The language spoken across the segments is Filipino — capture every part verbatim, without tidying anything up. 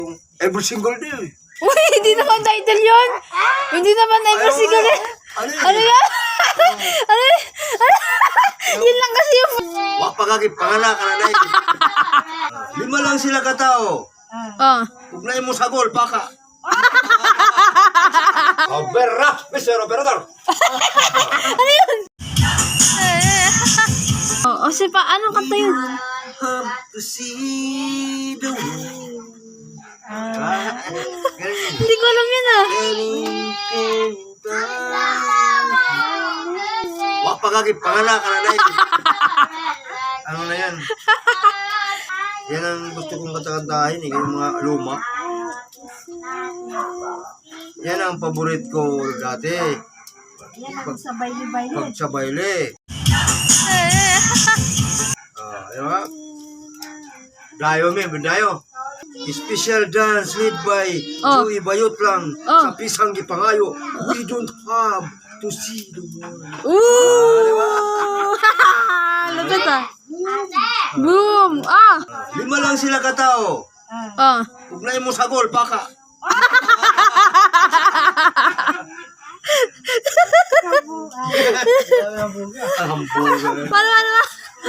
Every single day. Uy, hindi naman title yun. Hindi naman every single day. Ano yun? Ano yan? Ano yan? Yun lang kasi yung... Wak pagkakit, panganak ka na na yun. Lima lang sila katao. Oh. Ugnay mo sa gol, baka. Obera, mister Operador. Ano yun? Oh, o si pa, anong kanta yun? Have to see the world. Ah, ganun. Hindi ko alam yun ah. Wak pagkakit, panganak ka na na yun. Ano na yan? Yan ang gusto kong katakantahin eh, yung mga luma. Yan ang paborit ko dati. Yan ang sa baile-baile. Pag sa baile. Ah, di ba? Dayo, men, dayo. Special dance led by Oh. Joey Bayot lang Oh. sa Pisang Gipangayo. We don't have to see the world. Ooh! Lupit ah. Boom! Ah! Lima lang sila katao. Oh. Ugnay mo sa gol, baka. Ang buga. Paano, paano ba?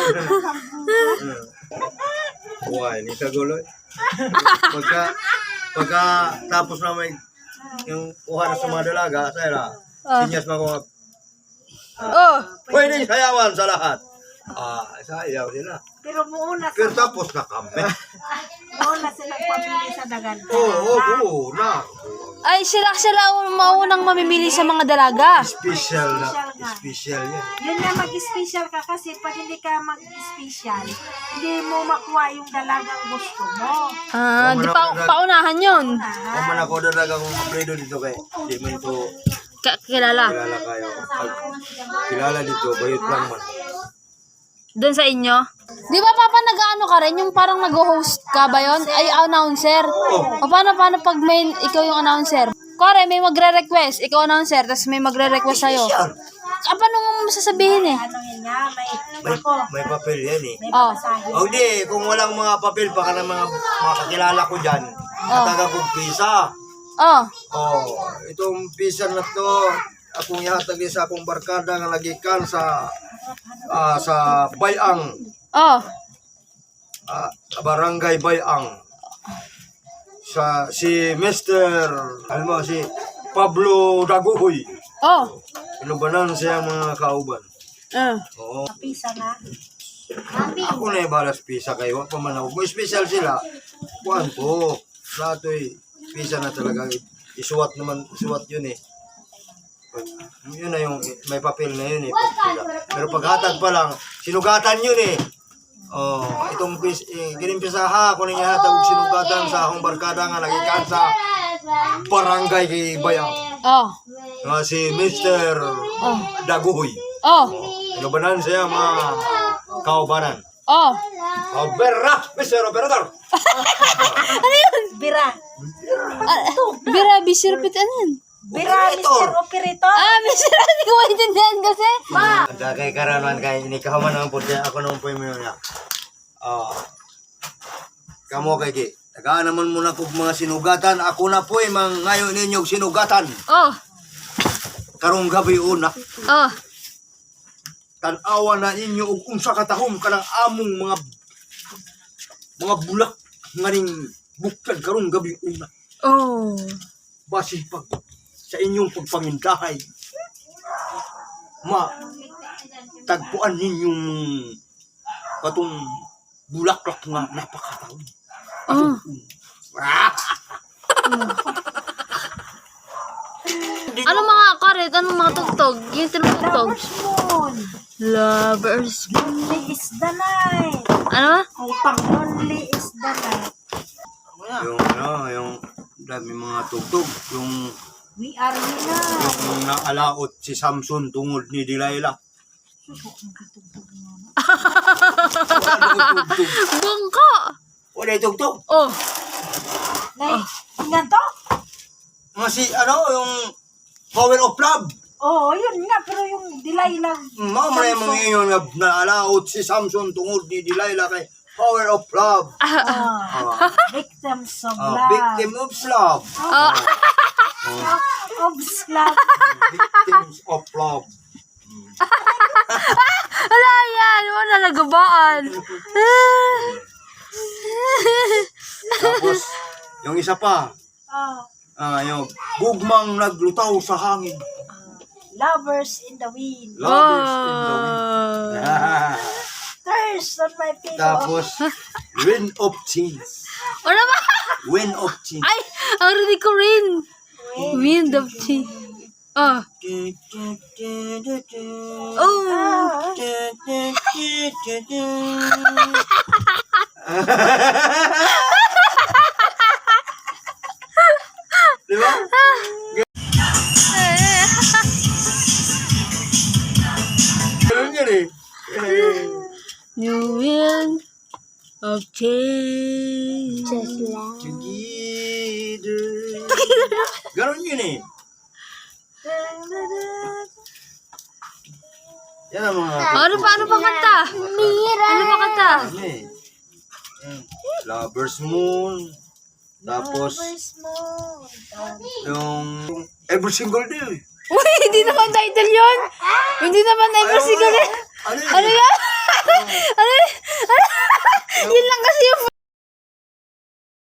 Why, ni kaguloy. Pagka, pagka tapos na may yung kuha na sa mga dalaga, saya Ah. sinyas mo ko, Oh. pwede sayawan sa lahat. Ah, sayaw sila. Pero muuna Pero sa tapos na kami. muuna sila pamili sa dagan. Oo, oo, oo, na. Ay, sila sila ang maunang mamimili sa mga dalaga. Special na, special yan. Yun nga mag-special ka kasi pag hindi ka mag-special, hindi mo makuha yung dalagang gusto mo. Ah, di pa paunahan yun. Kung man ako dalaga kong kapredo dito kay, di man ito K- kilala. kilala kayo. Pag kilala dito, bayot lang man. Doon sa inyo. Di ba papa nag-ano ka rin? Yung parang nag-host ka ba yun? Ay, announcer. O paano, paano pag may, ikaw yung announcer? Kore, may magre-request. Ikaw announcer, tapos may magre-request sa'yo. Ah, paano mo masasabihin eh? Ano yun nga, may, May, ako, may papel yan eh. may Oh. babasahin. O di, kung walang mga papel, baka ng mga, mga kakilala ko dyan, nataga kong pisa. Oh. Oh, itong pisa na to, akong ihatag din sa akong barkada nga nagikan sa ah, sa Bayang, Oh. ah, Barangay Bayang. Sa si mister alam mo si Pablo Daguhoy. Oh. Inubanan siya mga kauban. Uh. Oo. Pisa na. Ako na ibalas pisa kayo, pa man ako. Kung special sila, kuhan ko. Lato'y pisa na talaga. Isuwat naman, isuwat yun eh. Yun na yung, may papel na yun eh. Pag, pero paghatag pa lang, sinugatan yun eh. Oh, itong pis, eh, ginimpisa ha, kung nangyayatag og sinugatan sa akong barkada nga nagikan sa barangay kay Bayang. Oh. Nga si mister Daguhoy. Oh. Inubanan siya mga kaubanan. Oh. Obera, mister Operador. Ano yun? Bira. Ah, Bira, bisirpit ano yun? Bira, mister Operator. Ah, bisir, hindi ko maintindihan kasi. Ada kay karanan kay ini kaman ang pudya ako nung poy mo niya. Ah. Kamo kay ki. Tagaan naman muna kog mga sinugatan. Ako na poy mang ngayon ninyong sinugatan. Oh. Karong gabi una. Oh. Tan-awa na ninyo og unsa ka tahom kanang among mga mga bulak nganing buktad karong gabi una. Oh. Basin pag sa inyong pagpangindahay. Ma, tagpuan ninyong katong bulaklak nga napakataon. Oh. Ah! Ano mga karet? Anong mga tugtog? Yung tinutugtog? Lovers Moon. Lovers. Lonely is the night. Ano? Ay, pang lonely is the night. Yung ano, yung dami mga tugtog, yung We are Mina. yung naalaot si Samson tungod ni Delilah. Bungko! Wala yung tugtog. Oh. Nay, tingnan to? Nga si, ano, yung Power of Love. Oo, oh, yun nga. Pero yung delay lang. Mga mga mga yun nga naalaot si Samson tungod ni Delilah kay Power of love. Ah, victims of Ah, love. victim of love. Oh. Of love. Victims of love. Wala yan. Wala nagabaan. Tapos, yung isa pa, Ah, ah, yung gugmang naglutaw sa hangin. lovers in the wind. Lovers in the wind. Oh. Ah, Thirst on my pillow. tapos, wind of change. Ano ba? Wind of change. Ay, ang rinig ko rin. Wind of tea. Oh. Oh. Di ba? Ganun yun eh. Eh, New wind of change. Together. Ganun yun eh. Yan ang mga... Ano pa? Ano pa kanta? Ano pa kanta? Ano eh. Eh, Lover's Moon. Tapos, Lovers moon. yung... yung Every Single Day. Uy, hindi naman title yun. Hindi naman ever Ayaw single. nga. Ano yun? Ano yan? Ano yan? Yun lang kasi yung